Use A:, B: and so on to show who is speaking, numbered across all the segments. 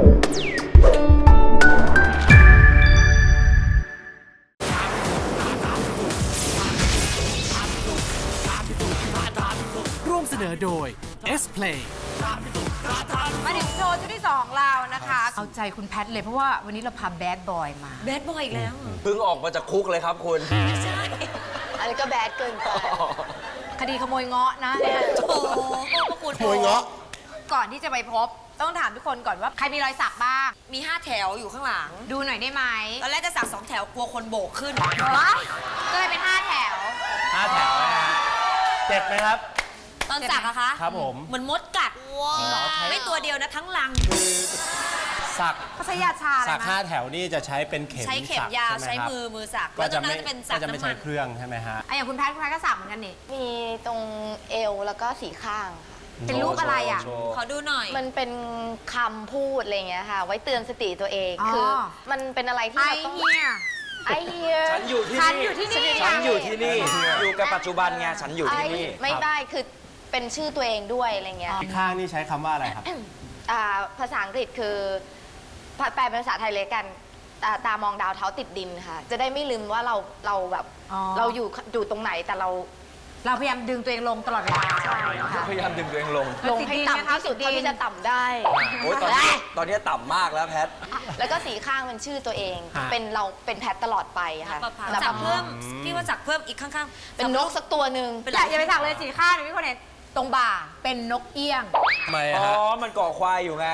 A: ร่วมเสนอโดย S Play
B: มาถึงโชว์ชุดที่2ของเรานะคะเอาใจคุณแพทเลยเพราะว่าวันนี้เราพาแบดบอยมา
C: แบดบอยอีกแล้ว
D: เพิ่งออกมาจากคุกเลยครับคุณ
C: ใช่
B: อันนี้ก็แบดเกินไปคดีขโมยเงาะนะเนี่ย
C: โอ้โหพระคุณ
E: ขโมยเงาะ
B: ก่อนที่จะไปพบต้องถามทุกคนก่อนว่าใครมีรอยสักบ้าง
C: มี5แถวอยู่ข้างหลัง
B: ดูหน่อยได้ไหม
C: ตอนแรกจะสัก2แถวกลัวคนโบกขึ้น
B: ว้ายก็เลยเป็น5แถว
E: 5 แถวนะฮะเจ็บไหมครับ
C: ตอนสักอะคะ
E: ครับผม
C: เหมือนมดกัดไม่ตัวเดียวนะทั้งลัง
E: สัก
B: เขาใช้ยาชาอะไร
E: สัก
B: นะ
E: 5 แถวนี่จะใช้เป็นเข็ม
C: ใช้เข็ม
E: สัก
C: ยาว
E: ใช่
C: ใช้
E: ไหมครับ
C: มือสัก
E: ก็
C: แล้วต
E: จะ
C: รงนั้
E: ไม่
C: นจะเป็นสั
E: ก็
C: ก
E: จะไม่
C: น้ำ
E: ใช้
C: มัน
E: เครื่องใช่ไหมฮะ
B: อย่างคุณแพทก็สักเหมือนกันนี่
F: มีตรงเอวแล้วก็สีข้างค่ะ
B: เป็นรูปอะไรอ่ะ
D: โชว์
C: ขอดูหน่อย
F: มันเป็นคำพูดอะไรอย่างเงี้ยค่ะ ไว้เตือนสติตัวเอง
B: อ๋อ
F: คือมันเป็นอะไรที่
B: ไอ
F: เราต้อง
B: เฮีย
F: ไอเฮีย
D: ฉันอยู่ที่
B: ฉัน
D: นี่
B: อยู่ที่นี่
D: ฉันอยู่ที่นี่ อยู่กับปัจจุบันไง ฉันอยู่ที่นี่
F: ไม่ได้คือเป็นชื่อตัวเองด้วยอะไรเงี้ย
E: อีกข้างนี่ใช้คำว่าอะไรครับ
F: ภาษาอังกฤษคือแปลเป็นภาษาไทยเลยกันตามองดาวเท้าติดดินค่ะ จะได้ไม่ลืมว่าเราแบบ
B: อ๋อ
F: เราอยู่ตรงไหนแต่เรา
B: เราพยายามดึงตัวเองลงตลอดเวลา
D: พยายามดึงตัวเองลง
F: ลงให้ต่ำที่สุดเท่าที่จะต่ำได้
D: โอ้ยตอนนี้ต่ำมากแล้วแพท
F: แล้วก็สีข้างเป็นชื่อตัวเอง
E: ฮะ
F: เป็นเราเป็นแพทตลอดไปค่ะ
C: สักเพิ่มพี่ว่าสักเพิ่มอีกข้างๆ
F: เป็นนกสักตัวหนึ่ง
C: เป็น
B: อย่าไปสักเลยสีข้างเดี๋ยวพี่คนเห็นตรงบ่าเป็นนกเอี้ยง
E: ทำไม
D: อ๋อ
E: ฮะ
D: มันก่อควายอยู่ไง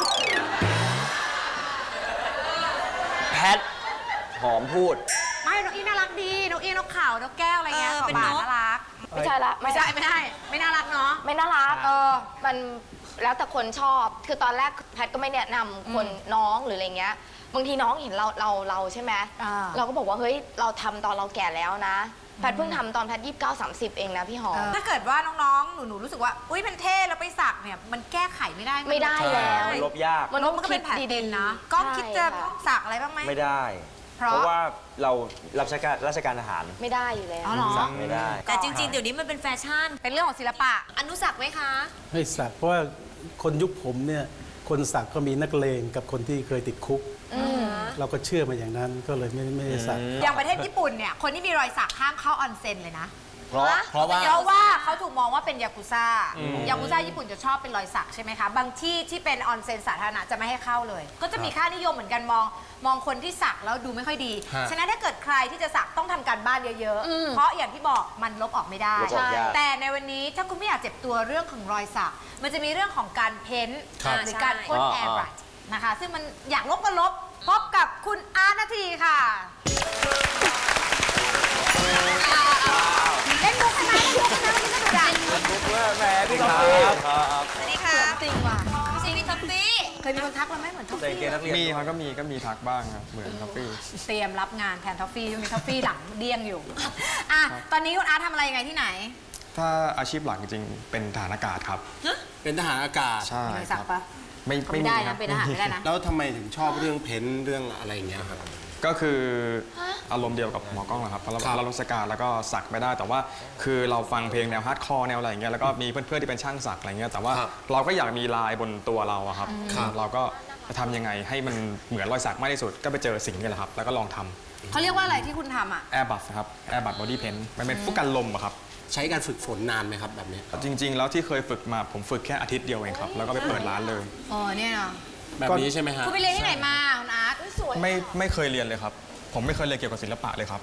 D: แพท หอมพูด
B: ไม่นกเอี้ยงน่ารักดีนกเอี้ยงนกเขานกแก้วอะไรเงี้ย
C: เป็น
B: บ่าน
C: ก
B: น่ารัก
F: ไม่ใช่ละ
B: ไม่น่ารักเนาะ
F: ไม่น่ารักมันแล้วแต่คนชอบ คือตอนแรกแพทก็ไม่แนะนำคนน้องหรืออะไรเงี้ย บางทีน้องเห็นเราใช่ไหม เราก็บอกว่าเฮ้ยเราทำตอนเราแก่แล้วนะ แพทเพิ่งทำตอนแพท29-30 เองนะพี่หอม
B: ถ้าเกิดว่าน้องๆหนูรู้สึกว่าอุ้ยมันเท่แล้วไปสักเนี่ยมันแก้ไขไม่ได้
F: ไม่ได้แล้ว
D: ลบยาก
B: มันก็เป็นแผลดินนะก็คิดจะสักอะไรบ้างไหม
D: ไม่ได้
B: เพราะ
D: เพราะว่าเรารับราชการทหาร
F: ไม่ได้อยู่แล้ว
B: อ๋อเหรอ
D: สั่งไม่ได้
C: แต่จริงๆ เดี๋ยวนี้มันเป็นแฟชั่น
B: เป็นเรื่องของศิลปะ
C: อนุสักไหมคะ
G: ไม่สักเพราะว่าคนยุคผมเนี่ยคนสักก็มีนักเลงกับคนที่เคยติดคุก เราก็เชื่อมาอย่างนั้นก็เลยไม่ได้สัก
B: อย่างประเทศญี่ปุ่นเนี่ยคนที่มีรอยสักห้ามเข้าออนเซ็นเลยนะ
E: เพราะว่า
B: เพราะว่าเขาถูกมองว่าเป็นยากุซ่ายากุซ่าญี่ปุ่นจะชอบเป็นรอยสักใช่ไหมคะบางที่ที่เป็นออนเซ็นสาธารณะจะไม่ให้เข้าเลย ก็จะมีค่านิยมเหมือนกันมองคนที่สักแล้วดูไม่ค่อยดี
E: ฮะ
B: ฉะนั้นถ้าเกิดใครที่จะสักต้องทำการบ้านเยอะๆเพราะอย่างที่บอกมันลบออกไม่ได้
D: ลบออกยาก
B: แต่ในวันนี้ถ้าคุณไม่อยากเจ็บตัวเรื่องของรอยสักมันจะมีเรื่องของการเพ้นท์
E: ครับ
B: หรือการพ่น
D: อ๋อ
B: แอร์บรัชนะคะซึ่งมันอยากลบก็ลบพบกับคุณอาร์ตนาทีค่ะเล่นมุกกันนะเล่นมุกกันนะวันนี้ก็ดูดัง
D: บุ๊กเวอร์แหมพี่ท็อปปี้ครับ
C: สวัสดีค่ะ
B: จริงว่ะ
C: พี่ซีพี่ท็อปปี้
B: เคยมีคนทักเราไหมเหมือนท็อฟ
D: ใส่
B: ฟี่
D: เกงนักเรียน
H: มีครับก็มีทักบ้างครับเหมือนท็อฟฟี่
B: เตรียมรับงานแทนท็อฟฟี่มีท็อฟฟี่หลังเดี้ยงอยู่อ่ะตอนนี้คุณอาร์ตทำอะไรยังไงที่ไหน
H: ถ้าอาชีพหลักจริงๆเป็นทหารอากาศครับ
G: เป็นทหารอากาศ
H: ใช่
B: มีรอย
H: ค
B: สั
H: รั
B: ก
H: บ
B: ปะ
H: ไม่
B: ไม่ได้
H: ครั
B: นะเป็นอาหารไม่ได้นะ
G: แล้วทำไมถึงชอบเรื่องเพ้นท์เรื่องอะไรอย่างเงี้ยครับ
H: ก็คืออารมณ์เดียวกับหมอกล้องแหละครับเพราะเราราชการแล้วก็สักไม่ได้ แต่ว่าคือเราฟังเพลงแนวฮาร์ดคอร์แนวอะไรอย่างเงี้ยแล้วก็มีเพื่อนๆที่เป็นช่างสักอะไรเงี้ยแต่ว่า
G: ครับ
H: เราก็อยากมีลายบนตัวเราอะครับ
G: ครับ
H: เราก็จะทำยังไงให้มันเหมือนรอยสักมากที่สุดก็ไปเจอสิ่งนี้แหละครับแล้วก็ลองท
B: เขาเรียกว่าอะไรที่คุณทำอ่ะ
H: ำแอร์บัสครับแอร์บัสบอดี้เพนมันเป็นฟุกกันลมอะครับ
G: ใช้การฝึกฝนนานไหมครับแบบนี้
H: จริง ๆ แล้วที่เคยฝึกมาผมฝึกแค่อาทิตย์เดียวเองครับแล้วก็ไปเปิดร้านเลย
B: อ๋อเนี่ยเนาะ
G: แบบนี้ใช่ไหมฮะ
B: คุณไปเรียนที่ไหนมาคุณอาร์ต
H: ไม่เคยเรียนเลยครับ ผมไม่เคยเรียนเกี่ยวกับศิลปะเลยครับ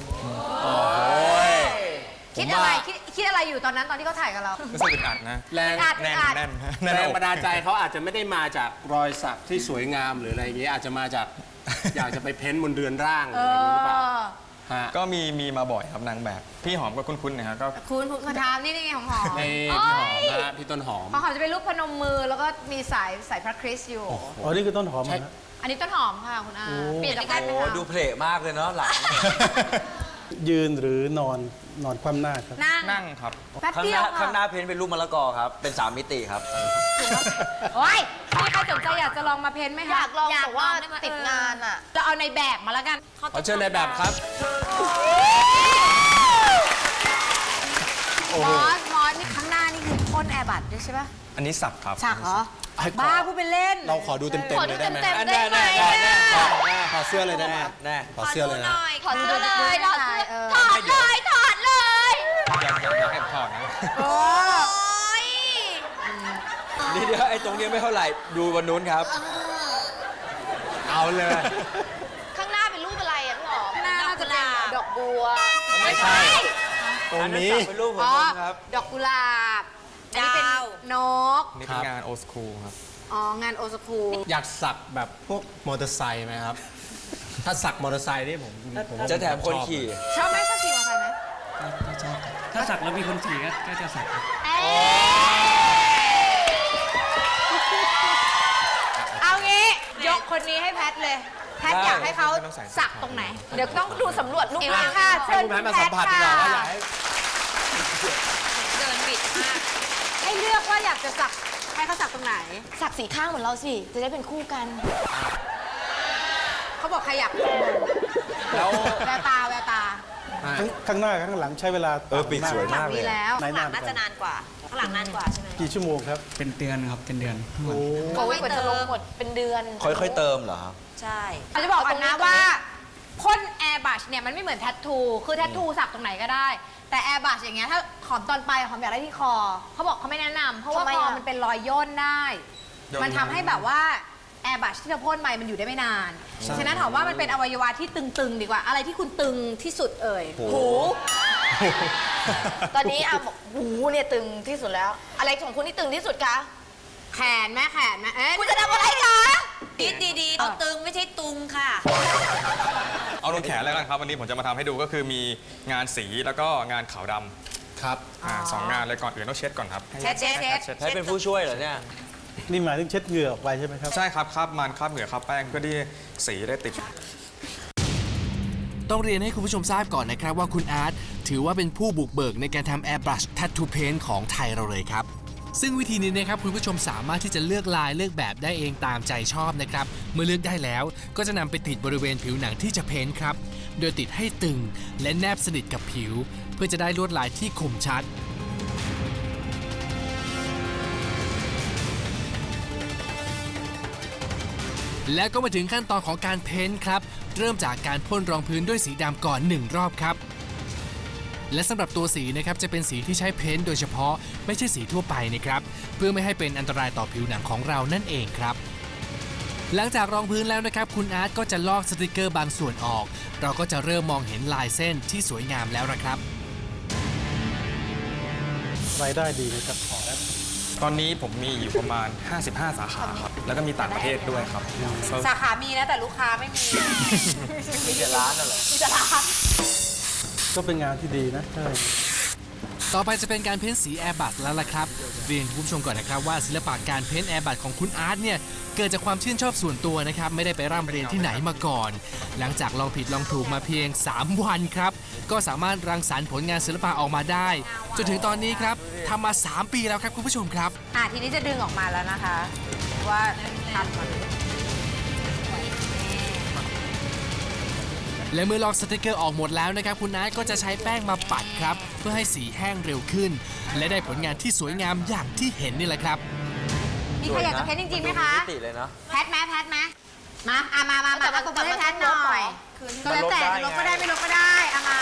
B: คิดอะไรคิดอะไรอยู่ตอนนั้นตอนที่เขาถ่ายกับเรา
H: รู้สึกอึดอัดนะ
G: แรง
B: อัด
H: แน่น
B: อัด
H: แน่น
G: แร
H: แน่น
G: ง
H: อก
G: บันดาลใจเขาอาจจะไม่ได้มาจากรอยสักที่สวยงามหรืออะไรอย่างเงี้ยอาจจะมาจาก อยากจะไปเพ้นท์บนเรือนร่างหรืออะไรอย่างเงี้ยหรือเปล่าฮะ
H: ก็มีมาบ่อยครับนางแบบ พี่หอมก็คุ้นๆนะครับก็
B: คุณทามนี่ไงหอม
G: ในพี่หอมนะฮะพี่ต้นหอม
B: พอหอมจะเป็นรูปพนมมือแล้วก็มีสายพระคริสต์อยู่
G: อ๋อนี่คือต้นหอมนะ
B: อันนี้ต้นหอมค่ะคุณอาเปลี่ยนจากกันไหม
D: โอ้
B: คะ
D: ดูเพลทมากเลยเนาะหลัง
G: ยืนหรือนอนคว่ำหน้าครับ
H: นั่งครับ
B: แป๊บ
D: ข้าง
B: เดี
D: ห
B: ยว
D: น้า
B: ค่ะ
D: ข้างหน้าเพ้นเป็นรูปมะละกอครับ เป็น3 มิติครับ
B: โอ้ยมีใครสนใจอยากจะลองมาเพ้นท์ไหมคะ
F: อยากลองแต่ว่าติดงานอ่ะ
B: เราเอาในแบบมาแล้วกัน
G: ขอเชิญในแบบครับ
B: มอสนี่ข้างหน้านี่คือพ่นแอร์บัตด้วยใช่ปะ
H: อันนี้สับครับ
B: ฉากเหรอบ้าพูดเป็นเล่น
E: เราขอดูเต็มๆเลยได้ไหม
F: เต็มๆได้ไหม
E: ขอเสื้อเลยได้ไหมขอเสื้อเลยนะ
F: ถอดเสื้อเลยถอดเสื้อ
B: เออ
F: ถอดเลยถอดเลย
H: อยากให้ถอดนะ
B: โอ้
D: นี่เดี๋ยวไอ้ตรงนี้ไม่เท่าไหร่ ดูวันนู้นครับ
E: เอาเลย
F: ข้างหน้าเป็นรูปอะไรอ่ะพี่หอม
B: น่าจะเป็น
F: ดอกบัว
E: ไม่ใช่ ตรงนี้
D: เป็นรูปผม
B: อ๋อ
D: ครับ
B: ดอกกุหลาบอันนี้เป็น
C: ดาว
B: นก
H: นี่เป็นงานโอสคูลครับ
B: อ๋องานโอสคู
E: อยากสักแบบพวกมอเตอร์ไซค์ไหมครับ ถ้าสักมอเตอร์ไซค์นี่ผม
D: จะแถมคนขี่
B: ชอบไหมชอบขี่มอเตอร์ไซค์ไหม
I: ถ้าสักแล้วมีคนขี่ก็จะสัก
B: เอางี้ยกคนนี้ให้แพทเลย แพท
D: ได้
B: อยากให้เขา
H: ไม่ต้องใส่
B: สักตรงไหน
F: เดี๋ยวต้องดูสำรวจรูป
B: เอว
F: ร่าง
B: ค่ะ
E: ให้คุณแพทย์มาสัมผัสดีกว่าว่าอยากให้
C: เดินบิดมาก
B: ให้เลือกว่าอยากจะสักให้เขาสักตรงไหน
F: สักสีข้างเหมือนเราสิ จะได้เป็นคู่กัน
B: เขาบอกใครอยาก
D: แล้ว
B: แววตาแววตา
G: ข้างหน้ากับข้างหลังใช้เวลา
D: ปีกสวย
B: หลั
D: มาง กเล
B: มี
D: ย
B: แล้ว
G: ไหน
C: ข้างหลัง
G: นาน
C: น่าจะนานกว่า ข้างหลังนานกว่าใช่ไหม
G: กี่ชั่วโมงครับ
I: เป็นเดือนครับ เป็นเดือน
G: โอ้
F: โอ้ยกว่าจะลงหมดเป็นเดือน
D: ค่อยๆเติมเหรอครับ
C: ใช่
B: เราจะบอกกันนะว่าพ่นแอร์บัชเนี่ยมันไม่เหมือนแทททู คือแทททูสักตรงไหนก็ได้ แต่แอร์บัชอย่างเงี้ยถ้าหอมตอนไปหอมอยากได้ที่คอ เขาบอกเขาไม่แนะนำเพราะว่า
F: ทำไม
B: คอ
F: อะ
B: มันเป็นรอยย่นได้
H: ย่น
B: มันทำให้แบบว่าแอร์บัชที่เราพ่นไปมันอยู่ได้ไม่นาน ฉะนั้นถามว่ามันเป็นอวัยวะที่ตึงๆ ดีกว่า อะไรที่คุณตึงที่สุดเอ่ย
F: หู ตอนนี้อ่ะบอกหูเนี่ยตึงที่สุดแล้ว อะไรของคุณที่ตึงที่สุดคะ
B: แขนแม่แขนแม่เอ๊ะ
F: คุณจะทำอะไรคะ
C: คิดดีๆเอาตึงไม่ใช่ตุงค่ะ
H: เอาลงแขนแล้วกันครับ วันนี้ผมจะมาทำให้ดูก็คือมีงานสีแล้วก็งานขาวด
E: ครับ
H: ำสองงานเลยก่อนอื่นต้องเช็ดก่อนครับ
B: เช็ดเช็ดเช็ด
H: เช็ด
D: ให้เป็นผู้ช่วยเหรอเนี่ย
G: นี่หมายถึงเช็ดเหงื่อออกไปใช่ไหมครับ
H: ใช่ครับคราบมันคราบเหงื่อคราบแป้งเพื่อที่สีได้ติด
A: ต้องเรียนให้คุณผู้ชมทราบก่อนนะครับว่าคุณอาร์ตถือว่าเป็นผู้บุกเบิกในการทำ Airbrush Tattoo Paint ของไทยเราเลยครับ ซึ่งวิธีนี้นะครับคุณผู้ชมสามารถที่จะเลือกลายเลือกแบบได้เองตามใจชอบนะครับ เมื่อเลือกได้แล้วก็จะนำไปติดบริเวณผิวหนังที่จะเพ้นท์ครับ โดยติดให้ตึงและแนบสนิทกับผิว เพื่อจะได้ลวดลายที่คมชัด แล้วก็มาถึงขั้นตอนของการเพ้นท์ครับ เริ่มจากการพ่นรองพื้นด้วยสีดำก่อน 1 รอบครับ และสำหรับตัวสีนะครับจะเป็นสีที่ใช้เพ้นท์โดยเฉพาะไม่ใช่สีทั่วไปนะครับ เพื่อไม่ให้เป็นอันตรายต่อผิวหนังของเรานั่นเองครับ หลังจากรองพื้นแล้วนะครับคุณอาร์ตก็จะลอกสติกเกอร์บางส่วนออก เราก็จะเริ่มมองเห็นลายเส้นที่สวยงามแล้วนะครับ
G: รายได้ดีนะครับ
H: ตอนนี้ผมมีอยู่ประมาณ 55 สาขาครับ แล้วก็มีต่างประเทศด้วยครับ
B: สาขามีนะแต่ลูกค้าไม่มี
D: มีแต่ร้านน่ะเหรอ
B: มีแต่ร้าน
G: ก็เป็นงานที่ดีนะใช่
A: ต่อไปจะเป็นการเพ้นสีแอร์บัตแล้วล่ะครับ เรียนคุณผู้ชมก่อนนะครับว่าศิลปะการเพ้นแอร์บัตของคุณอาร์ตเนี่ยเกิดจากความชื่นชอบส่วนตัวนะครับไม่ได้ไปร่ำเรียนที่ไหนมาก่อน หลังจากลองผิดลองถูกมาเพียง 3 วันครับก็สามารถรังสรรค์ผลงานศิลปะออกมาได้จนถึงตอนนี้ครับทำมา 3 ปีแล้วครับคุณผู้ชมครับ
B: ทีนี้จะดึงออกมาแล้วนะคะ ว่าทำมัน
A: และเมื่อลอกสติกเกอร์ออกหมดแล้วนะครับคุณอาร์ตก็จะใช้แป้งมาปัดครับเพื่อให้สีแห้งเร็วขึ้น และได้ผลงานที่สวยงามอย่างที่เห็นนี่แหละครับ
B: มีใครอยากจะเพ้นจริงๆไหมคะ
D: มิติเลยเนาะ
B: แพทไหมแพทไหมมาตบมือให้แพทหน่อยก็แล้วแต่จะลบก็ได้ไม่ลบก็ได้มา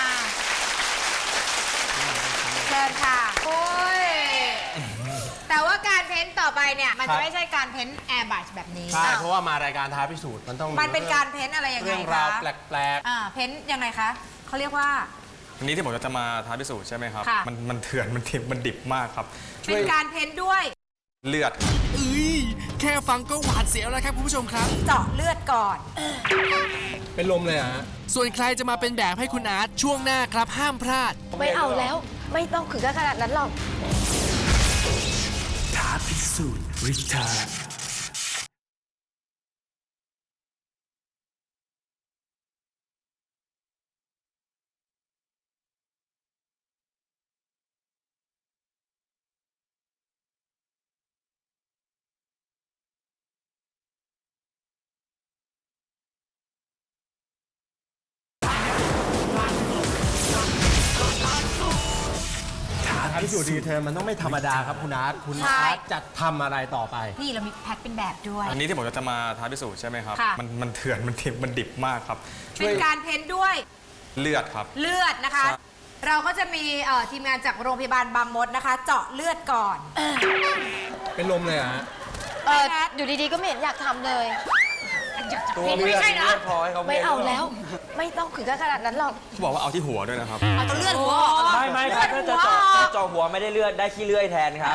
B: เชิญค่ะโอ้ยแต่ว่าการเพ้นต่อไปเนี่ยมันจะไม่ใช่การเพ้นแอร์บัชแบบนี้
E: ใช่ เพราะว่ามารายการท้าพิสูจน์มันต้อง
B: มันเป็นการเพ้นอะไรยังไง
E: เรื่อง
B: คะ
E: ราวแปลก
B: เพ้นยังไงคะเขาเรียกว่า
H: วันนี้ที่ผมจะมาท้าพิสูจน์ใช่ไหมครับ
B: ค่ะ
H: มันเถื่อนมันทิบมันดิบมากครับ
B: เป็นการเพ้นด้วย
H: เลือด
A: เอ้ยแค่ฟังก็หวาดเสียวแล้วครับคุณผู้ชมครับ
B: เจาะเลือดก่อน
E: ๆ เป็นลมเลยเหรอฮะ
A: ส่วนใครจะมาเป็นแบบให้คุณอาร์ตช่วงหน้าครับห้ามพลาด
F: ไม่เอาแล้ว ไม่ต้องถึงขนาดนั้นหรอก
A: ท้าพิสูจน์ริทา
E: พิสูจน์รีเทิร์นมันต้องไม่ธรรมดาครับคุณอาร์ตคุณอาร์ตจะทำอะไรต่อไป
B: นี่เรามีแพ็คเป็นแบบด้วย
H: อันนี้ที่ผมจะมาท้าพิสูจน์ใช่ไหมครับ
B: ค่ะ
H: มันเถื่อนมันดิบมากครับ
B: เป็นการเพ้นด้วย
H: เลือดครับ
B: เลือดนะคะ เราก็จะมีทีมงานจากโรงพยาบาลบางมดนะคะ เจาะเลือดก่อน
E: เป็นลมเลยเหรอฮะ
F: อยู่ดีๆก็ไม่เห็นอยากทำเลย
D: ตัวเลือด
B: ไม่ใช่เหรอ
D: เลือดพอให้เขา
F: ไม่เอาแล้ว ไม่ต้องถึงขนาดนั้นหรอก
H: เขาบอกว่าเอาที่หัวด้วยนะครับ
B: เอาเลือดหัวออก
D: ไม่ครับถ้าจะเจาะหัวไม่ได้เลือดได้ขี้เลื่อยแทนครับ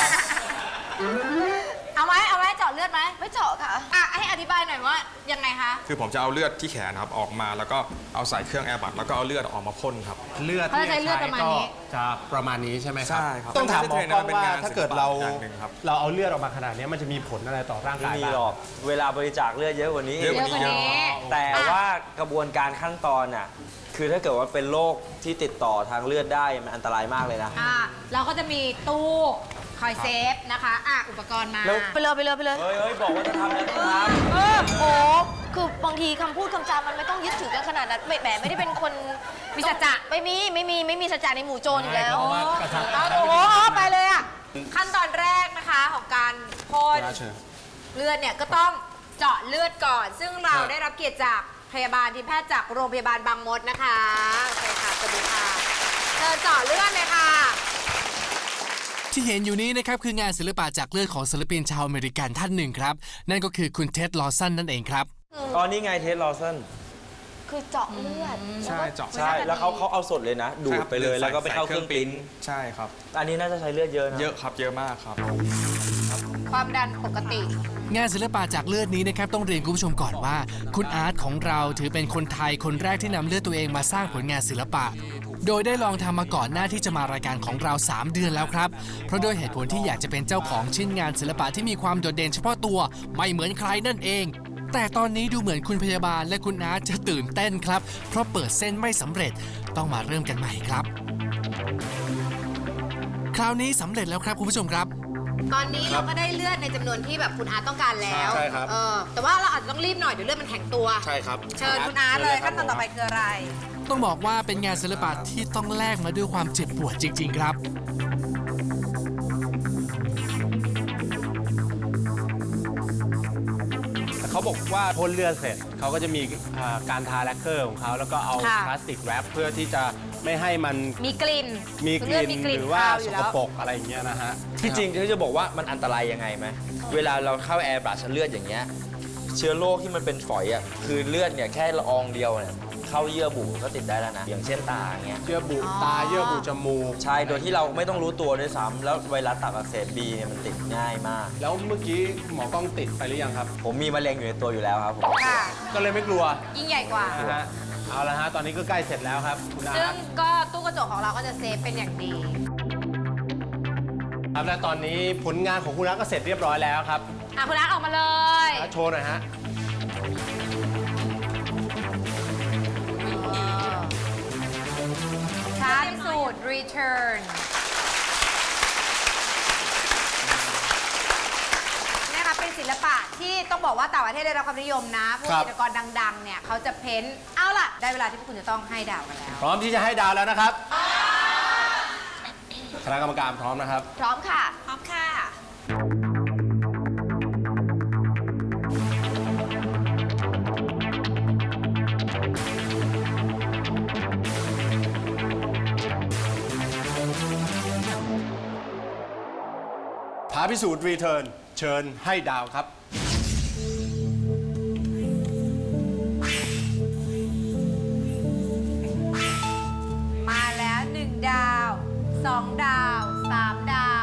B: เอาไหมเจาะเลือดไหม
F: ไม่เจาะค่ะ
B: ให้อธิบายหน่อยว่ายังไงคะ
H: คือผมจะเอาเลือดที่แขนครับออกมาแล้วก็เอาใส่เครื่องแอร์บัดแล้วก็เอาเลือดออกมาพ่นครับ
E: เลือด
B: เขาจะใช้เลือดประมาณนี้
E: จะประมาณนี้ใช่ไหมครับ
H: ใช่ครับ
E: ต้องถามหมอกล้องว่าถ้าเกิดเรา
H: อย่างหนึ่งครับ
E: เราเอาเลือดออกมาขนาดนี้มันจะมีผลอะไรต่อร่าง
D: ไม่
E: กาย
D: มี
E: บ้าง
D: หรอก เวลาบริจาคเลือดเยอะกว่านี้
H: เยอะกว่านี้
B: เยอะกว่านี้
D: แต่ว่ากระบวนการขั้นตอนน่ะคือถ้าเกิดว่าเป็นโรคที่ติดต่อทางเลือดได้มันอันตรายมากเลยนะ
B: เราก็จะมีตู้คอยเซฟนะคะอุปกรณ์มา
F: ไปเลย
D: เฮ้ยบอกว่าจะทำแล้วต้องท
F: โอ้คือบางทีคำพูดคำจามันไม่ต้องยึดถือกันขนาดนั้นแหมไม่ได้เป็นคน
B: มีสัจจะ
F: ไม่มีสัจจะในหมู่โจรอยู่แล้ว
E: เพราะว่ากระชับ
B: ไปเลยขั้นตอนแรกนะคะของการพ่นเลือดเนี่ยก็ต้องเจาะเลือดก่อน ซึ่งเราได้รับเกียรติจากพยาบาลทีมแพทย์จากโรงพยาบาลบางมดนะคะโอเคค่ะสวัสดีค่ะเชิญเจาะเลือดเลยค่ะ
A: ที่เห็นอยู่นี้นะครับคืองานศิลปะจากเลือดของศิลปินชาวอเมริกันท่านหนึ่งครับนั่นก็คือคุณเท็ดลอสันนั่นเองครับ
D: ำตอนนี้ไงเทสลอสัน
F: คือเจาะเลือด
H: ใช่เจาะ
D: ใช่ แล้วเขาเอาสดเลยนะ ดูดไปเลยแล้วก็ไปเข้าเครื่องปริ้นท์
H: ใช่ครับ
D: อันนี้น่าจะใช้เลือดเยอะนะ
H: เยอะครับเยอะมากครับ
B: ความดันปกติ
A: งานศิลปะจากเลือดนี้นะครับต้องเรียนคุณผู้ชมก่อนว่า คุณอาร์ตของเราถือเป็นคนไทยคนแรกที่นำเลือดตัวเองมาสร้างผลงานศิลปะ โดยได้ลองทำมาก่อนหน้าที่จะมารายการของเรา 3 เดือนแล้วครับเพราะโดยเหตุผลที่อยากจะเป็นเจ้าของชิ้นงานศิลปะที่มีความโดดเด่นเฉพาะตัวไม่เหมือนใครนั่นเอง แต่ตอนนี้ดูเหมือนคุณพยาบาลและคุณอาร์ตจะตื่นเต้นครับเพราะเปิดเส้นไม่สำเร็จต้องมาเริ่มกันใหม่ครับ คราวนี้สำเร็จแล้วครับคุณผู้ชมครับ
B: ตอนนี้เราก็ได้เลือดในจำนวนที่แบบคุณอาร์ตต้องการแล้ว
E: ใช่ครับ
B: แต่ว่าเราอาจจะต้องรีบหน่อยเดี๋ยวเลือดมันแข็งตัว
E: ใช่ครับ
B: เชิญคุณอาร์ตเลยขั้นตอนต่อไปคืออะไร
A: ต้องบอกว่าเป็นงานศิลปะที่ต้องแลกมาด้วยความเจ็บปวดจริง ๆ ครับ
E: เขาบอกว่าพ่นเลือดเสร็จเขาก็จะมีการทาแลคเกอร์ของเขาแล้วก็เอา
B: ค่ะ
E: พลาสติกแรปเพื่อที่จะไม่ให้มัน
B: มีกลิ่น
E: มีก
B: เลือด
E: ลิ่น
B: มีกลิ่น
E: หรือว่า
B: คาวอ
E: ส
B: ยู่
E: ก
B: แล้ว
E: ปรกอะไรอย่างเงี้ยนะฮะ
D: ที่จริงที่จะบอกว่ามันอันตรายยังไงไหมเวลาเราเข้าแอร์บรัชเลือดอย่างเงี้ยเชื้อโรคที่มันเป็นฝอยอ่ะคือเลือดเนี่ยแค่ละอองเดียวเนี่ยเข้าเยื่อบุก็ติดได้แล้วนะอย่างเช่นตาอย่างเงี้ย
E: เยื่อบุตาเยื่อบุจมูก
D: ใช่โดยที่เราไม่ต้องรู้ตัวด้วยซ้ำแล้วไวรัสตับอักเสบบีเนี่ยมันติดง่ายมาก
E: แล้วเมื่อกี้หมอกล้องติดไปหรือยังครับ
D: ผมมีมะเร็งอยู่ในตัวอยู่แล้วครับผม
B: ค่ะ
E: ก็เลยไม่กลัว
B: ยิ่งใหญ่กว่า
E: นะฮะเอาละฮะตอนนี้ก็ใกล้เสร็จแล้วครับคุณอา
B: ซึ่ง
E: ร์ต
B: ก็ตู้กระจกของเราก็จะเซฟเป็นอย่างดี
E: ครับและตอนนี้ผลงานของคุณอาร์ตก็เสร็จเรียบร้อยแล้วครับ
B: คุณอาร์ตออกมาเลย
E: โชว์หน่อยฮะ
B: ท้าพิสูจน์ return เนี่ยค่ะเป็นศิลปะที่ต้องบอกว่าต่างประเทศได้รับความนิยมนะพวก
E: ครับ
B: จิตรกรดังๆ เนี่ยเขาจะเพ้นท์เอาล่ะ ได้เวลาที่พวกคุณจะต้องให้ดาวกันแล้ว
E: พร้อมที่จะให้ดาวแล้วนะครับคณะกรรมการพร้อมนะครับ
F: พร้อมค่ะ
C: พร้อมค่ะ
E: ท้าพิสูจน์รีเทิร์นเชิญให้ดาวครับ
B: มาแล้ว 1 ดาว 2 ดาว 3 ดาว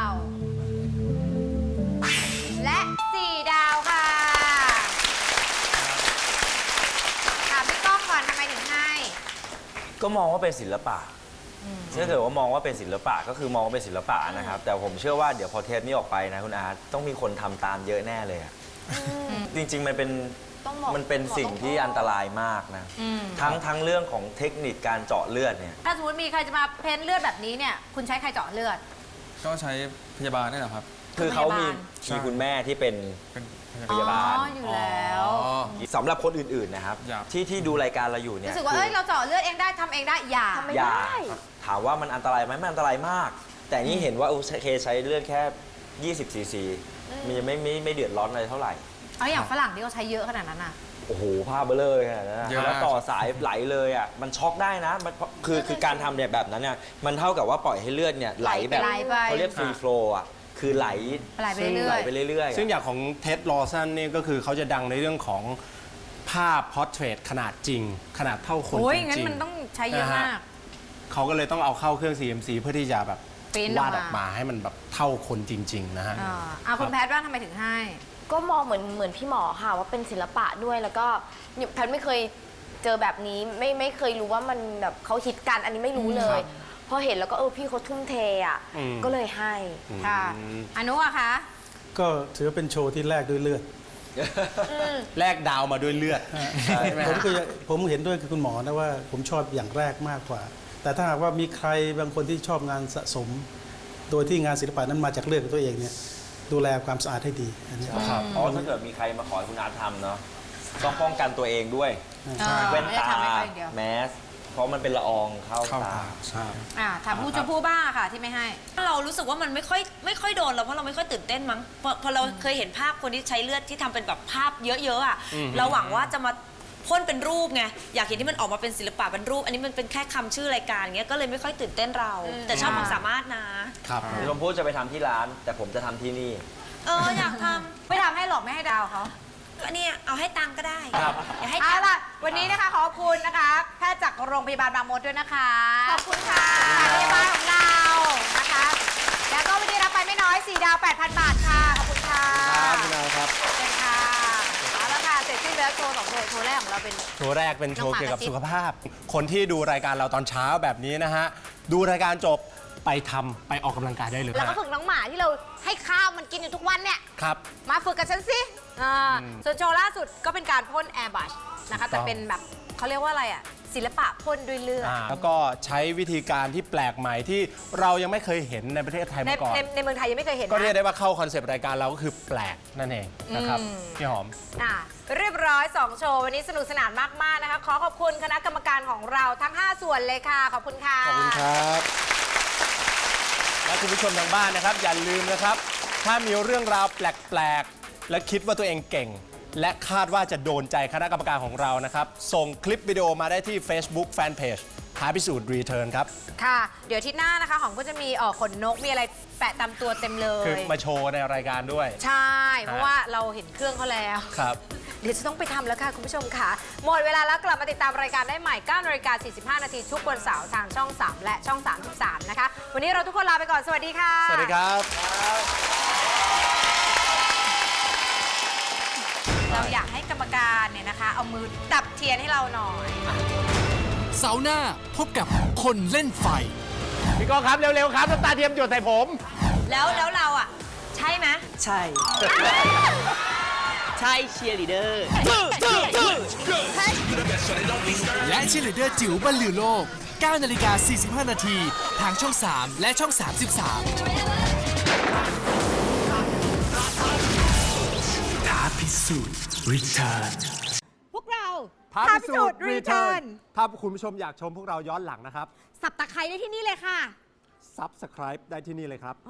B: และ 4 ดาวค่ะ ถามพี่ก้องก่อนทำไมถึงให้
D: ก็มองว่าเป็นศิลปะถ้าเกิดว่ามองว่าเป็นศิลปะก็คือมองว่าเป็นศิลปะนะครับ แต่ผมเชื่อว่าเดี๋ยวพอเทปนี้ออกไปนะคุณอาร์ตต้องมีคนทำตามเยอะแน่เลยอะจริงๆมันเป็น
F: ต้องบอก
D: มันเป็นสิ่งที่อันตรายมากนะทั้งเรื่องของเทคนิคการเจาะเลือดเนี่ย
B: ถ้าสมมติมีใครจะมาเพ้นท์เลือดแบบนี้เนี่ย คุณใช้ใครเจาะเลือด
H: ก็ใช้พยาบาลนี่แหละครับ
D: คือเขามี
H: ใช่
D: คุณแม่ที่เป็น
H: เป็น
D: พยาบาล
B: อ๋อ อยู่แล้ว
D: สำหรับคนอื่นๆนะครับ
H: ครับ
D: ที่ดูรายการเราอยู่เนี่ย
B: รู้สึกว่า เอ้ย เราเจาะเลือดเองได้ทำเองได้ อย่า
F: ทำไม่
D: อย่า
F: ได้
D: ถามว่ามันอันตรายไหมมันอันตรายมากแต่นี่เห็นว่าโอเคใช้เลือดแค่ 20 ซีซี มันยังไม่เดือดร้อนอะไรเท่าไหร่
B: เอาอย่างฝรั่งที่เขาใช้เยอะขนาดนั้นอ่ะ
D: โอ้โหผ้าเบลเลอร์ขนาดนั้นนะ
H: เยอะมาก
D: แล้วต่อสายไหลเลยอ่ะ มันช็อกได้นะมันคือการทำเนี่ยแบบนั้นเนี่ย มันเท่ากับว่าปล่อยให้เลือดเนี่ยไหลแบบ
B: ไหลไป
D: เขาเรียกฟรีโฟลว์อ่ะ คือไหล
B: ไหลไปเรื่อยๆ
D: ไหลไปเรื่อยๆ
E: ซึ่ง
D: อะ
E: อย่างของเท็ดลอสันนี่ก็คือเขาจะดังในเรื่องของภาพพอร์เทรตขนาดจริง ขนาดเท่าคน
B: โอ้ย
E: จริงๆ
B: งั้นมันต้องใช้เยอะมาก
E: เขาก็เลยต้องเอาเข้าเครื่อง CMC เพื่อที่จะแบบ
B: Print ออกมา
E: วาดออกมาให้มันแบบเท่าคนจริง ๆ นะฮะ
B: เอาคุณแพทย์ว่าทำไมถึงให้
F: ก็มองเหมือนพี่หมอค่ะว่าเป็นศิลปะด้วยแล้วก็แพทย์ไม่เคยเจอแบบนี้ไม่เคยรู้ว่ามันแบบเขาฮิตกันอันนี้ไม่รู้เลย พอเห็นแล้วก็พี่เขาทุ่มเทอ่ะ
E: อืม
F: ก็เลยให้
B: ค่ะอนุอะคะ
G: ก็ถือว่าเป็นโชว์ที่แลกด้วยเลือด
E: แลกดาวมาด้วยเลือดใช่ไหม
G: ผมเห็นด้วยกับคุณหมอนะว่าผมชอบอย่างแรกมากกว่า แต่ถ้าหากว่ามีใครบางคนที่ชอบงานสะสม โดยที่งานศิลปะนั้นมาจากเลือดของตัวเองเนี่ยดูแลความสะอาดให้ดีอันนี้
D: เพราะถ้าเกิดมีใครมาขอให้คุณอาร์ตทำเนาะต้องป้องกันตัวเองด้วย แว่นตา
B: ไม่ได้ทำให้เขาอย่างเดียว
D: แมส เพราะมันเป็นละอองเข้าตา
E: ใช่
B: ถามผู้ชมพู่บ้างค่ะที่ไม่ให้
C: เรารู้สึกว่ามันไม่ค่อยโดนเราเพราะเราไม่ค่อยตื่นเต้นมั้งพอเราเคยเห็นภาพคนที่ใช้เลือดที่ทำเป็นแบบภาพเยอะๆอ่ะเราหวังว่าจะมาพ่นเป็นรูปไงอยากเห็นที่มันออกมาเป็นศิลปะเป็นรูป อันนี้มันเป็นแค่คำชื่อรายการเงี้ยก็เลยไม่ค่อยตื่นเต้นเรา แต่ชอบความสามารถนะครับ
D: ชมพู่จะไปทำที่ร้าน แต่ผมจะทำที่นี่
C: อยากท
B: ไม่ทำให้หรอกไม่ให้ดาวเขา
C: ำอันนี้เอาให้ตังค์ก็ได้
E: ครับ
C: อย่าให้
B: เอา
C: ตังค์
B: ล่ะวันนี้นะคะขอบคุณนะคะ แพทย์จากโรงพยาบาลบางมดด้วยนะคะ
F: ขอบคุณค่ะ
B: พยาบาลของเรานะคะ แล้วก็วันนี้รับไปไม่น้อย4 ดาว 8,000 บาทค่ะ ขอบคุณค่ะ
E: ครับคุณอาครับ
B: เชิญค่ะเอาละค่ะเสร็จสิ้นแล้วโชว์2โชว์แรกของเราเป็น
E: โชว์แรกเป็นโชว์
B: น้องหมา
E: เกี่ยวกับ
B: กระซิบ
E: สุขภาพ คนที่ดูรายการเราตอนเช้าแบบนี้นะฮะ ดูรายการจบไปทำไปออกกำลังกายได้เลย
B: แล้วก็
E: ฮะ
B: ฝึกน้องหมาที่เราให้ข้าวมันกินอยู่ทุกวันเนี่ย
E: ครับ
B: มาฝึกกับฉันสิส่วนโชว์ล่าสุดก็เป็นการพ่นแอร์บัชนะคะ แต่เป็นแบบเขาเรียกว่าอะไรอ่ะ ศิลปะพ่นด้วยเลือด
E: แล้วก็ใช้วิธีการที่แปลกใหม่ที่เรายังไม่เคยเห็นในประเทศไทย
B: ใน
E: มาก่อน
B: ในเมืองไทยยังไม่เคยเห็น
E: ก็เรียก
B: นะ
E: ได้ว่าเข้าคอนเซปต์รายการเราก็คือแปลกนั่นเองนะครับพี่หอม
B: เรียบร้อย 2 โชว์ วันนี้สนุกสนานมาก ๆ นะคะ ขอขอบคุณคณะกรรมการของเราทั้ง 5 ส่วนเลยค่ะ ขอบคุณค่ะ
E: ขอบคุณครับ และคุณผู้ชมทางบ้านนะครับ อย่าลืมนะครับ ถ้ามีเรื่องราวแปลก ๆ และคิดว่าตัวเองเก่ง และคาดว่าจะโดนใจคณะกรรมการของเรานะครับ ส่งคลิปวิดีโอมาได้ที่ Facebook Fanpage ท้าพิสูจน์รีเทิร์นครับ
B: ค่ะ เดี๋ยวอาที่หน้านะคะ หอมก็จะมีขนนก มีอะไรแปะตามตัวเต็มเล
E: คือย มาโชว์ในรายการด้วย
B: ใช่ เพราะว่าเราเห็นเครื่องเขาแล้ว
E: ครับ
B: เดี๋ยวจะต้องไปทำแล้วค่ะ คุณผู้ชมค่ะ หมดเวลาแล้วกลับมาติดตามรายการได้ใหม่ 9:45 นาทีทุกวันเสาร์ทางช่อง 3 และช่อง 33 นะคะ วันนี้เราทุกคนลาไปก่อน สวัสดีค่ะ
E: สวัสดีครับ
B: เราอยากให้กรรมการเนี่ยนะคะ เอามือดับเทียนให้เราหน่อย
A: เสาร์หน้าพบกับคนเล่นไฟ
E: พี่ก้องครับ เร็ว ๆ ครับน้ำตาเทียมหยดใส่ผม
C: แล้วเราอ่ะ ใช่ไหม
J: ใช่ ใช่เชียร์ลีดเดอร์
A: และเชียร์ลีดเดอร์จิ๋วบรรลือโลก 9:45 นาทีทางช่อง 3 และช่อง 33 ท้าพิสูจน์รีเทิร์น
B: พวกเรา
E: ท้าพิสูจน์รีเทิร์นถ้าคุณผู้ชมอยากชมพวกเราย้อนหลังนะครับ
B: สับตะไคร้ได้ที่นี่เลยค่ะ
E: Subscribe ได้ที่นี่เลยครับ